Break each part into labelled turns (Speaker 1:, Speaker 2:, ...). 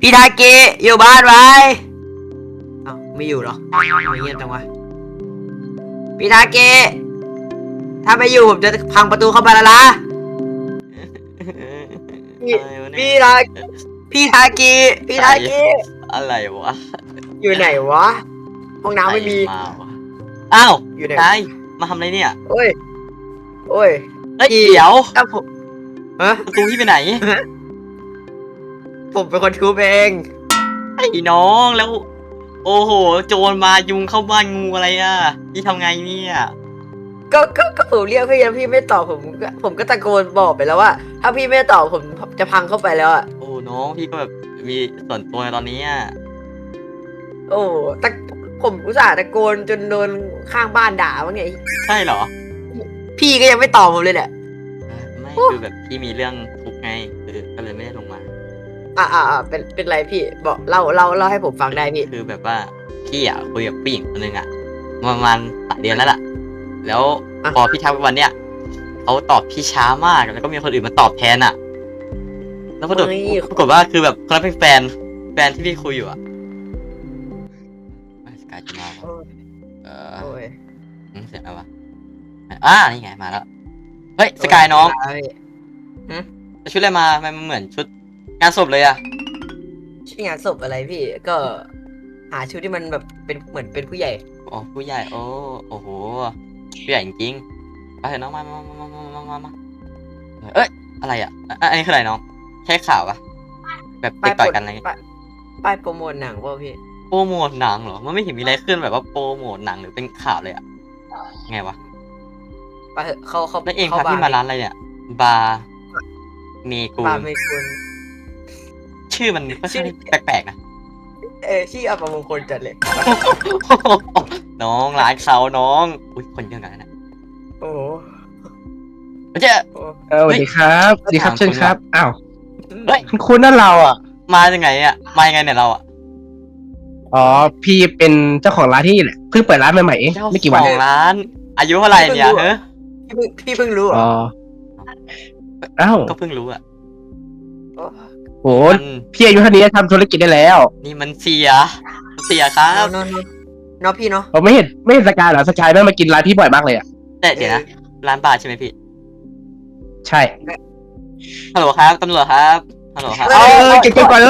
Speaker 1: พี่ทาเกะอยู่บ้านไหมเอ้าไม่อยู่เหรอไม่เงียบจังวะพี่ทาเกะถ้าไม่อยู่ผมจะพังประตูเข้ามาแล้วนะพี่
Speaker 2: อะไรวะเนี่ย
Speaker 1: พี่ทาพี่ทาเกะพี่ทาเกะ
Speaker 2: อะไรวะ
Speaker 1: อยู่ไหนวะห้องน้ำไม่มี
Speaker 2: ใครมาวะอ้าว
Speaker 1: อยู่ไหน
Speaker 2: นายมาทำอะไรเนี่ย
Speaker 1: โอ้ยโอ้ย
Speaker 2: เฮ้ย
Speaker 1: พี่
Speaker 2: เดี๋ยว
Speaker 1: ถ้าผมฮะ
Speaker 2: ประตูพี่ไปไหน
Speaker 1: ผมเป็นคนทุบเอง
Speaker 2: ไอ้น้องแล้ว โอ้โหโจรมายุงเข้าบ้านงูอะไรอ่ะพี่ทำไงเนี่ย
Speaker 1: ก็ผมเรียกพี่แล้วพี่ไม่ตอบผมก็ตะโกนบอกไปแล้วว่า ถ้าพี่ไม่ตอบผมจะพังเข้าไปแล้วอะ
Speaker 2: โอ้น้องพี่ก็แบบมีส่วนตัวในตอนนี้อ่ะ
Speaker 1: โอ้ตะผมอุตส่าห์ตะโกนจนโดนข้างบ้านด่าว่าไง
Speaker 2: ใช่เหรอ
Speaker 1: พี่ก็ยังไม่ตอบผมเลยเนี่ย
Speaker 2: ไม่คือแบบพี่มีเรื่องทุกข์ไงคือก็เลยไม่ได้ลงมา
Speaker 1: เป็นไรพี่บอกเล่าให้ผมฟังได้พี่
Speaker 2: คือแบบว่าพี่อ่ะคุยกับผู้หญิงคนหนึงอ่ะประมาณ3 เดือนแล้วล่ะ แล้วพอพี่ทักไปวันเนี้ยเขาตอบพี่ช้ามากแล้วก็มีคนอื่นมาตอบแทนอ่ะ แล้วปรากฏว่าคือแบบคนนั้นเป็นแฟนที่พี่คุยอยู่อ่ะสกายจะมาวะ
Speaker 1: โอ้ย
Speaker 2: เอ
Speaker 1: โอ้ย
Speaker 2: เสียงอะไรวะนี่ไงมาแล้วเฮ้ยสกายน้องชุดอะไรมามันเหมือนชุดงานศพเลยอ่ะ
Speaker 1: ชื่องานศพอะไรพี่ก็หาชุดที่มันแบบเป็นเหมือนเป็นผู้ใหญ่
Speaker 2: อ๋อผู้ใหญ่โอ้โหผู้ใหญ่จริงๆไปเถอะน้องมาเอ้ยอะไรอ่ะอันนี้คืออะไรน้องแค่ข่าวปะแบบไปต่อยกันอะไรเงี้ย
Speaker 1: ป้ายโปรโมทหนังเปล่าพี่
Speaker 2: โปรโมทหนังเหรอมันไม่เห็นมีอะไรขึ้นแบบว่าโปรโมทหนังหรือเป็นข่าวเลยอ่ะไงวะ
Speaker 1: ไปเถอะเขา
Speaker 2: แล้วเอง
Speaker 1: เข้า
Speaker 2: พาพี่มาร้านอะไรเนี่ยบาร์เมกู
Speaker 1: บาร์เมกุล
Speaker 2: ชื่อมันค่อนข้างแปลกๆนะ
Speaker 1: ชื่ออัปมงคลจัดเลย
Speaker 2: น้องร้านเขาน้องอุ้ยคนเยอะกันนะ
Speaker 1: โอ้โห
Speaker 2: เจ๊
Speaker 1: โอ้
Speaker 3: สวัสดีครับสวัสดีครับ
Speaker 2: ถาม
Speaker 3: เชิญ
Speaker 2: คุณ
Speaker 3: ครับ อ้าว
Speaker 2: เฮ้ย
Speaker 3: คุณนั่นเราอ่ะ
Speaker 2: มาจากไหนอ่ะมายังไงเนี่ยเราอ่ะ
Speaker 3: อ๋อ พี่เป็นเจ้าของร้านที่นี่แหละ เพิ่งเปิดร้านใหม่ๆเอง
Speaker 2: เจ้า
Speaker 3: ไม่กี่วัน
Speaker 2: ข
Speaker 3: เอ
Speaker 2: อง
Speaker 3: ง
Speaker 2: ร้าน อายุเท่าไหร่เนี่ยเฮ้ย
Speaker 1: พี่เพิ่งรู้เหร
Speaker 3: อ๋
Speaker 1: อ
Speaker 3: อ อ้าว
Speaker 2: ก็เพิ่งรู้อ่ะ
Speaker 1: โอ้
Speaker 3: โห พี่อายุเท่านี้ทำธุรกิจได้แล้ว
Speaker 2: นี่มันเสียครับ
Speaker 1: เนาะพี่เนาะ
Speaker 3: ผมไม่เห็นสกายเหรอ สกายแม่งมากินร้านพี่บ่อยมากเลยอ่ะ
Speaker 2: แต่เดี๋ยวนะร้านบาร์ใช่ไหมพี่
Speaker 3: ใช่
Speaker 2: ฮัลโหลครับตำรวจครับฮัลโหลครับ
Speaker 3: เก็บก่อนเลย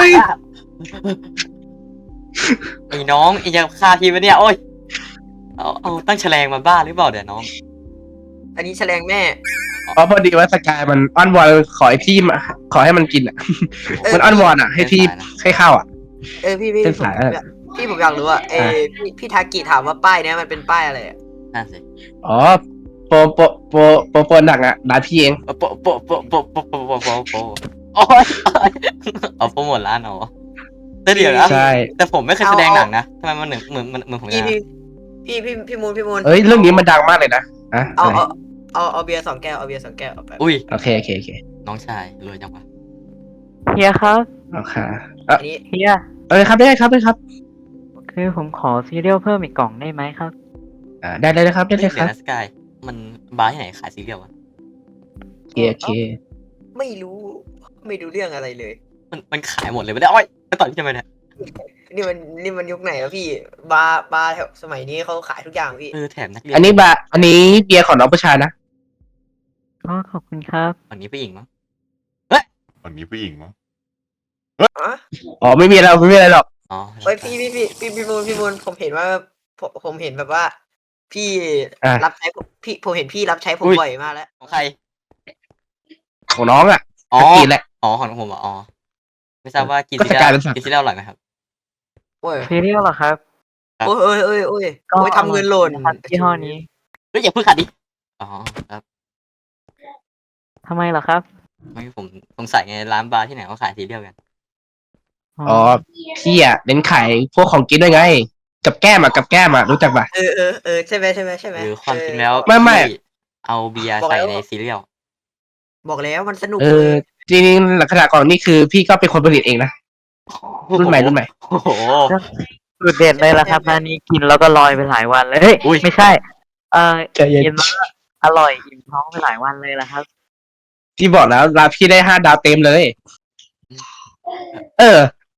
Speaker 2: ไอ้น้องไอ้จะฆ่าพี่ปะเนี่ยโอ้ยเอาตั้งแฉลงมาบ้าหรือเปล่าเดี๋ยวน้อง
Speaker 1: อันนี้แฉลงแม่
Speaker 3: เพราะพอดีว่าสกายมันอ้อนวอนขอให้พี่มาขอให้มันกินอ่ะ มันอ้อนวอนอ่ะ ให้พี่ให้ข้าวอ่ะ
Speaker 1: พี่
Speaker 3: เป็นสายอะไร
Speaker 1: ผมอยากรู้อ่ะพี่ทากิถามว่าป้ายเนี้ยมันเป็นป้ายอะไรอ่ะ
Speaker 2: นั่นสิ
Speaker 3: อ๋อ โปรหนักอ่ะร้านพี่เอง
Speaker 2: โปโอ้ยเอาโปรโมทร้านเหรอแต่เดี๋ยวนะ
Speaker 3: ใช่
Speaker 2: แต่ผมไม่เคยแสดงหนังนะทำไมมันเหมือนผม
Speaker 1: พี่
Speaker 2: นะ
Speaker 1: พี่มูล
Speaker 3: เอ้ย เรื่องนี้มันดังมากเลยนะอะ
Speaker 1: เอา
Speaker 3: อะไร
Speaker 1: เอาเบียร์2 แก้วเอาเบียร์2 แก้วเอาไป
Speaker 2: อุ้ย
Speaker 3: โอเคโอเคโอเค
Speaker 2: น้องชายรวยจังวะ
Speaker 4: เฮียครับ
Speaker 3: โอเค
Speaker 1: อันนี้
Speaker 4: เฮีย
Speaker 3: ครับได้ครับได้ครับ
Speaker 4: คือผมขอซีเรียลเพิ่มอีกกล่องได้ไหมครับ
Speaker 3: ได้เลยนะครับได้เลยค
Speaker 2: เดี๋ย
Speaker 3: รับ
Speaker 2: วนะสกายมันบาร์ที่ไหนขายซีเรียลวะ
Speaker 3: โอเคโอเค
Speaker 1: ไม่รู้เรื่องอะไรเลย
Speaker 2: มันขายหมดเลยไม่ได้โอ้ยไปต่อยพี่ทำไมเนี่ย
Speaker 1: นี่มันยุคไหนแล้วพี่บาร์แถวสมัยนี้เขาขายทุกอย่างพี่
Speaker 2: แถมนักเรียน
Speaker 3: อันนี้เบียร์ของน้องผู้ชายนะ
Speaker 4: อ๋อ ขอบคุณครับ
Speaker 2: วันนี้ผู้หญิงมั้ง
Speaker 5: วันนี้ผู้หญิงมั้ง
Speaker 1: อ๋อ
Speaker 3: อ๋อไม่มีอะไรหรอก
Speaker 2: อ๋อ
Speaker 1: เฮ้ยพี่มูลผมเห็นว่าผมเห็นแบบว่า พี่
Speaker 3: อ่ะ
Speaker 1: รับใช้ผมเห็นพี่รับใช้ผมบ่อยมากแล้ว
Speaker 2: ของใคร
Speaker 3: ของน้องอ่ะ
Speaker 2: อ๋อ
Speaker 3: ตะกี้แหละ
Speaker 2: อ๋อของผมอ๋อไม่ทราบว่ากิน
Speaker 3: ก็
Speaker 2: ซี
Speaker 3: ส
Speaker 2: เรี
Speaker 3: กาย
Speaker 2: ยล
Speaker 3: เป็นสัตว์
Speaker 2: กินซีเรียลอร่อยไหมครับ
Speaker 1: โอ้ย
Speaker 4: ซีเรียลเหรอครับ
Speaker 1: โอ้ยทำเงินหล่น
Speaker 4: นะครับยี่ห้อนี้
Speaker 2: เฮ้ยอย่าเพิ่งขัดดิอ๋อครับ
Speaker 4: ทำไมเหรอครับ
Speaker 2: ไม่ผมสงสัยไงร้านบาร์ที่ไหนเขาขายซีเรียลกัน
Speaker 3: อ๋อพี่อ่ะเน้นขายพวกของกินด้วยไง กับแก้มอ่ะรู้จักปะ
Speaker 1: ใช่ไหม
Speaker 2: หรือความจริงแล้ว
Speaker 3: ไม่
Speaker 2: พี่เอาเบียร์ใส่ในซีเรียล
Speaker 1: บอกแล้วมันสนุก
Speaker 3: จริงๆลักษณะก่อนนี่คือพี่ก็เป็นคนผลิตเองนะ รุ่นใหม่
Speaker 2: โอ้โห
Speaker 4: สุดเด็ดเลยล่ะครับร้านนี้กินแล้วก็ลอยไปหลายวันเลยเฮ้ย
Speaker 2: อุ้ย
Speaker 4: ไม่ใช่
Speaker 3: ใจเย็น
Speaker 4: กินแล้วก็อร่อยอิ่มท้องไปหลายวันเลยล่ะครับ
Speaker 3: ที่บอกแล้วร้านพี่ได้5 ดาวเต็มเลย เออ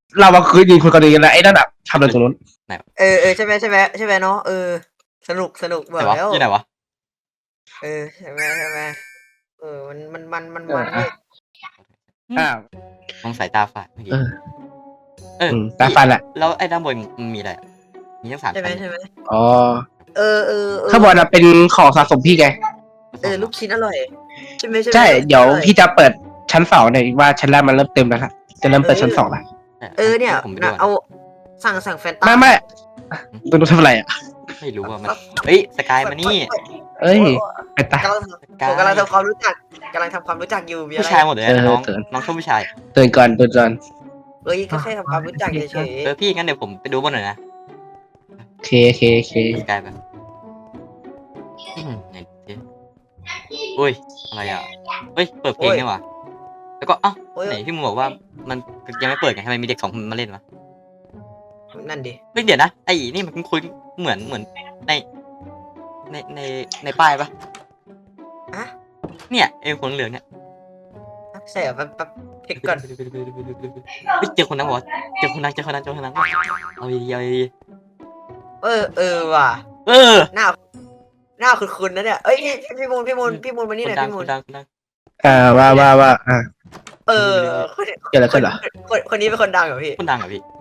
Speaker 3: เรามาคืนยิงคนกันเองนะไอ้นั่นอ่ะทำอะไรตรงนู้น
Speaker 1: ใช่ไหมใช่ไหมใช่ไหมเนาะสนุกบ
Speaker 2: ไหน
Speaker 1: อก
Speaker 2: วะ
Speaker 1: แล้ว
Speaker 2: ที่ไหนวะ
Speaker 1: ใช่ไหมมันเว้ย
Speaker 3: อ้าว
Speaker 2: มองสายตาฝาดเมื่อกี้
Speaker 3: ตาฟันอ่ะ
Speaker 2: แล้วไอ้ด้านบนมันมีอะไรอะมีทั้งสาม
Speaker 1: ใช่ไหม
Speaker 2: ชั้น
Speaker 1: ใช่ไหม
Speaker 3: อ๋อ
Speaker 1: เ
Speaker 3: ข้างบนอ่ะเป็นของสะสมพี่ไง
Speaker 1: ลูกชิ้นอร่อยใช่ไหม
Speaker 3: ใช่
Speaker 1: ลูกชิ้น
Speaker 3: เดี๋ยว
Speaker 1: อร่อ
Speaker 3: พี่จะเปิดชั้นสองเนี่ยว่าชั้นแรกมันเริ่มเต็มแล้วละจะเริ่มเปิดชั้นสองละ
Speaker 1: เนี่ย
Speaker 2: ผมไปดู
Speaker 1: นะ
Speaker 2: ก่อน
Speaker 1: เอาสั่งแฟนตา
Speaker 3: ไม่ตัวนู้นทำอะไรอ่ะ
Speaker 2: ไม่รู้ว่ามันเฮ้ยสกายมานี่
Speaker 3: เอ้ยไปตาย
Speaker 1: ผมกำลังทำความรู้จักอยู่มีอะไร
Speaker 2: ผู้ชายหมดเลยนะน้อง
Speaker 3: เออ
Speaker 2: น้องชอบผู้ชาย
Speaker 3: เตือนก่อนเตือนก่อน
Speaker 1: ก็แค่ทำความรู้จักเฉย
Speaker 2: พี่งั้นเดี๋ยวผมไปดูบนหน่อยนะ
Speaker 3: โอเค
Speaker 2: สกายแบบไหนดิอุ้ยอะไรอ่ะเฮ้ยเปิดเพลงนี่หว่าแล้วก็เอ้า
Speaker 1: ๆโอ้ย
Speaker 2: ไหนพี่มึงบอกว่ามันยังไม่เปิดไงทำไมมีเด็กสองคนมาเล่นวะ
Speaker 1: นั่นดิ
Speaker 2: เฮ้ยเดี๋ยวนะไอ้นี่มันคุยเหมือนในในป้ายปะ
Speaker 1: อะ
Speaker 2: เนี่ยไอ้คนเหลืองเนี่ย
Speaker 1: ใช่เหรอแป๊บเช็คก่อน
Speaker 2: เฮ้ยเจอคนนั้นวะเจอคนนั้นเอาดีเอาดี
Speaker 1: ว่ะ
Speaker 2: เออ
Speaker 1: หน้าคุ้นๆนะเนี่ยพี่มูลมานี่
Speaker 2: ค
Speaker 1: ห
Speaker 2: น
Speaker 1: น่อย
Speaker 2: ดัง
Speaker 1: พี่
Speaker 2: ค
Speaker 1: มูล
Speaker 2: นดัง
Speaker 3: ว่า
Speaker 1: คน
Speaker 3: เกิดอะไรขึ้นเหรอ
Speaker 1: คนนี้เป็นคนดังเหรอพี่
Speaker 2: คนดังอ่ะพี่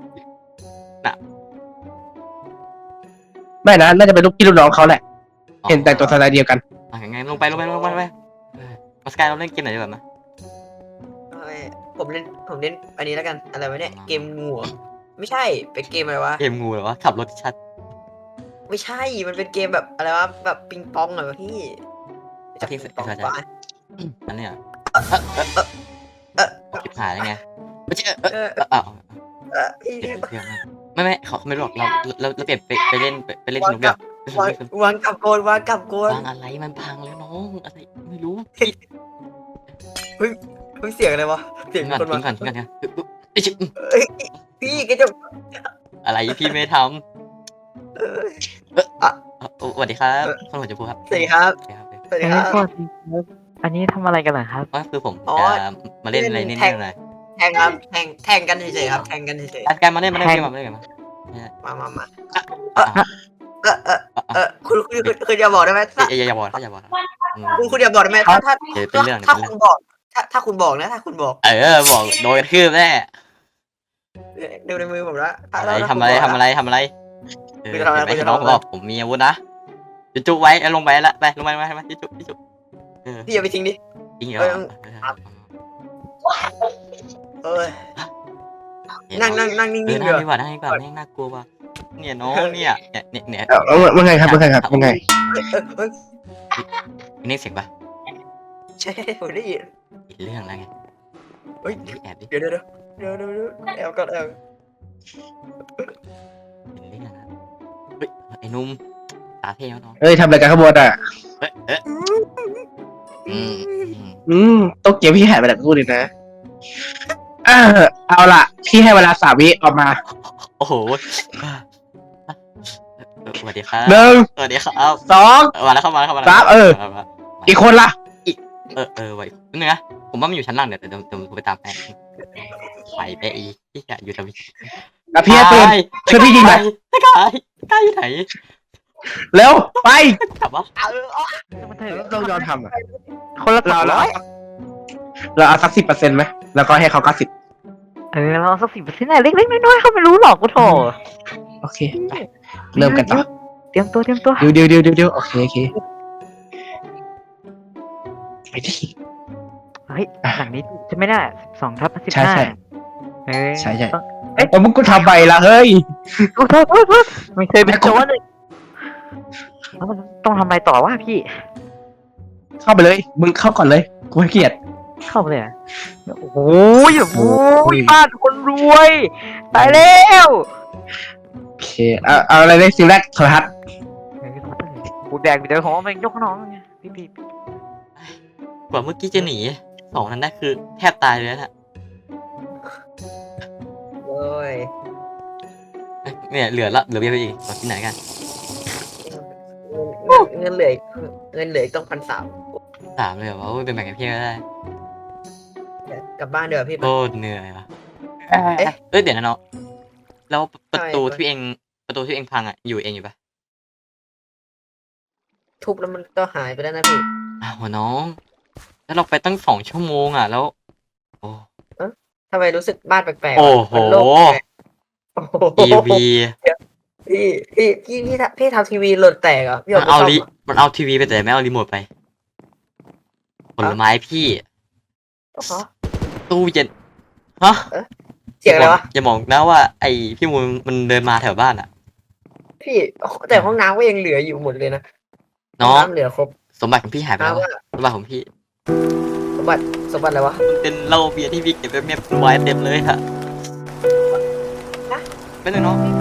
Speaker 3: ไม่นะน่าจะเป็นลูกพี่ลูกน้องเขาแหละ เห็นแต่งตัวสไตล์เดียวกัน
Speaker 2: ยังไงลงไปมาสกายเราเล่นเกมไหนดีกว่าไหม
Speaker 1: ผมเล่นอันนี้แล้วกันอะไรวะเนี่ยเกมงูไม่ใช่เป็นเกมอะไรวะ
Speaker 2: เกมงูเหรอวะขับรถชัด
Speaker 1: ไม่ใช่มันเป็นเกมแบบอะไรวะแบบปิงปองเหรอพี่จับปิงปองปะ
Speaker 2: อันเนี้ย
Speaker 1: เออ
Speaker 2: จิบหายได้ไงไม่ใช่
Speaker 1: พี่
Speaker 2: เดี๋ยวไม่เขาไม่รู้หรอกเราเปลี่ยนไปเล่นสนุกเดียว
Speaker 1: วางกับโกน
Speaker 2: วางอะไรมันพังแล้วน้องอะไรไม่รู้
Speaker 1: เพิ่งเสียงอะไรวะเสียง
Speaker 2: ทิ้ง
Speaker 1: คน
Speaker 2: ก่อน
Speaker 1: มา
Speaker 2: ทิ้งก่อน
Speaker 1: พี่ก็จะ
Speaker 2: อะไรพี่ไม่ทำสวัสดีครับคนหัวจะพูดครับ
Speaker 1: สวัสดีครับ
Speaker 4: เอ้ยสวัสดีครับอันนี้ทำอะไรกันเหรอครับ
Speaker 2: ก็คือผม
Speaker 1: อ๋อ
Speaker 2: จะมาเล่นอะไรนิดนึงหน่อย
Speaker 1: แทงครับแทงกันเฉยๆครับแทงกันเฉย
Speaker 2: การมาเล่นมาเล่นกันมา
Speaker 1: ๆมาคุณอย่าบอกได้ไหมถ้า
Speaker 2: อย่าบอก
Speaker 1: คุณอย่าบอกได้ไหมถ้า
Speaker 2: เดี๋ยวเป็นเรื่อง
Speaker 1: ถ้าคุณบอกถ้าคุณบอกนะถ้าคุณบอก
Speaker 2: บอกโดนกระทืบแน่
Speaker 1: ดูในมือผมแล้ว
Speaker 2: ทำอะไรน้องบอกผมมีอาวุธนะจุ๊ไว้ลงไปละไปลงไปจุ๊
Speaker 1: พี่อย่าไปทิ้งดิ
Speaker 2: จริงเหรอ
Speaker 1: นั่งนิ่งๆ
Speaker 2: นั่
Speaker 1: เดี๋ยว
Speaker 2: งดีกว่าไม่น่ากลัวว่ะเนี่ยน้องเนี่ย
Speaker 3: ว่าไงครับว่าไง
Speaker 2: นี่เสียงปะ
Speaker 1: ใช่ผมได้ยิน
Speaker 2: อีกเรื่องแล้วไงแอบดิ
Speaker 1: เดี๋ยวแอบก่อนแอบ
Speaker 2: เรื่องนะเฮ้ยไอ้นุ่มตาเท่น้อง
Speaker 3: เอ้ยทำอะไรกันข้างบนอ่ะ ต้องเกี่ยวพี่หายไปจากกูเลยนะเอาล่ะพี่ให้เวลา3 วิออกมา
Speaker 2: โอ้โหสวัสดีครับ
Speaker 3: 1
Speaker 2: สวัสดีครับ
Speaker 3: 2
Speaker 2: มาแล้วเข้ามา
Speaker 3: อีกคนล่ะ
Speaker 2: ไว้นึงนะผมว่ามันอยู่ชั้นล่างเดี๋ยวผมไปตามไปไปอีที่จะอยู่ตรงนี้
Speaker 3: พี่ให้ปืนช่วยพี่ยิงหน่อย
Speaker 2: ใกล้อยู่ไหน
Speaker 3: เร็วไป
Speaker 2: กลับวะ
Speaker 3: ต้องยอมทำอ่ะ
Speaker 4: คนละ
Speaker 3: เราเอาสัก10%ไหมแล้วก็ให้เขา90
Speaker 4: เราสัก10%เล็กๆน้อยๆเขาไม่รู้หรอกกูโถ
Speaker 3: โอเคไปเริ่มกันต่อ
Speaker 4: เตรียมตัว
Speaker 3: เดี๋ยวโอเคไปดิ
Speaker 4: เฮ้ยหลังนี้ใช่ไหมเนี่ย2/15
Speaker 3: ใช่
Speaker 4: เฮ้ย
Speaker 3: ใช่
Speaker 4: ต้อง
Speaker 3: มึงก็ทำไปละเฮ้ย
Speaker 4: โทษไม่เคยเป็นโจรเลยแล้วมันต้องทำอะไรต่อวะพี่
Speaker 3: เข้าไปเลยมึงเข้าก่อนเลยกูให้เกียรติ
Speaker 4: เข้าไปเลยโอ้โหบ้านคนรวยตายแล้ว
Speaker 3: โอเคเอาอะไรเลยสิ่งแรกโทรทัศน์
Speaker 4: กูแดกเดี๋ยวของมันยกน้องไงพี่
Speaker 2: กว่าเมื่อกี้จะหนี2นั้นได้คือแทบตายเลยนะ
Speaker 1: โอ้ย
Speaker 2: เนี่ยเหลือเบี้ยไปอีกที่ไหนกัน
Speaker 1: เงินเหลือต้อง1,300
Speaker 2: 3เลยเหรอว่าเป็นแบ่งกันเพียงก็ได้
Speaker 1: กลับบ้านเดี๋ยวพี่
Speaker 2: โคตรเหนื่อยว่ะ
Speaker 1: เอ๊ะ
Speaker 2: เดี๋ยวนะเนาะแล้วประตู
Speaker 1: ทำไม
Speaker 2: ที่เองประตูที่เองพังอ่ะอยู่เองอยู่ปะ
Speaker 1: ทุบแล้วมันก็หายไปแล้วนะพี่
Speaker 2: อ้าวน้อง แล้วเราไปตั้ง2 ชั่วโมงอ่ะแล้ว โอ้
Speaker 1: ทำไมรู้สึกบ้านแปลกๆ
Speaker 2: โอ้
Speaker 1: วะ
Speaker 2: โห
Speaker 1: มันโล่งแปลกโอ้โห
Speaker 2: ทีวี
Speaker 1: พี่ทำทีวีหล่นแตกเหรอพี่
Speaker 2: มัน
Speaker 1: ไป
Speaker 2: เอา
Speaker 1: ซ่ม
Speaker 2: ลิ
Speaker 1: หรอ
Speaker 2: มันเอาทีวีไปแต่ไม่เอารีโมทไปผลไม้พี่
Speaker 1: ฮะ
Speaker 2: ตู้เย็นฮะ
Speaker 1: เสียงอะไรวะ
Speaker 2: อย่าบอกนะว่าไอพี่มูลมันเดินมาแถวบ้านอ่ะ
Speaker 1: พี่แต่ห้องน้ำก็ยังเหลืออยู่หมดเลยนะ
Speaker 2: น้อง
Speaker 1: ห้ำเหลือครบ
Speaker 2: สมบัติของพี่หายไปแล้ว
Speaker 1: น้ำ
Speaker 2: วะ
Speaker 1: ว่า
Speaker 2: สมบัติของพี่
Speaker 1: สมบัติอะไรวะ
Speaker 2: มันเป็นเหล้าเบียร์ที่พี่เก็บไว้เมียบไว้เต็มเลยค่ะ
Speaker 1: ฮะ
Speaker 2: เป็นไงน้อง